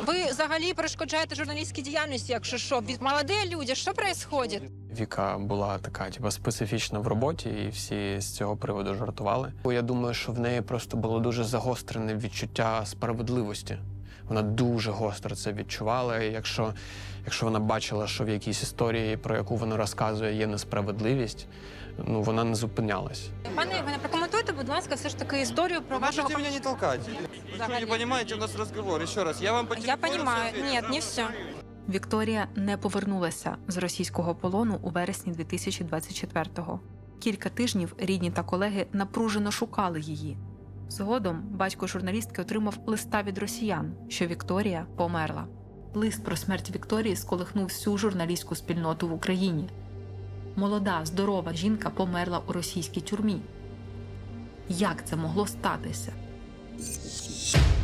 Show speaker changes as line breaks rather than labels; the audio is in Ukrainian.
Ви взагалі перешкоджаєте журналістській діяльності, якщо що? Молоді люди, що відбувається?
Віка була така, специфічна в роботі, і всі з цього приводу жартували. Я думаю, що в неї просто було дуже загострене відчуття справедливості. Вона дуже гостро це відчувала, і якщо вона бачила, що в якійсь історії, про яку вона розказує, є несправедливість, вона не зупинялась.
Пане Євгене, прокоментуйте, будь ласка, все ж таки історію про вашого...
Можете меня не толкать. Вы что, не понимаете, у нас разговор. Еще раз, я вам по
Я
телефону
понимаю.
всё ответил.
Нет, не все.
Вікторія не повернулася з російського полону у вересні 2024-го. Кілька тижнів рідні та колеги напружено шукали її. Згодом батько журналістки отримав листа від росіян, що Вікторія померла. Лист про смерть Вікторії сколихнув всю журналістську спільноту в Україні. Молода, здорова жінка померла у російській тюрмі. Як це могло статися?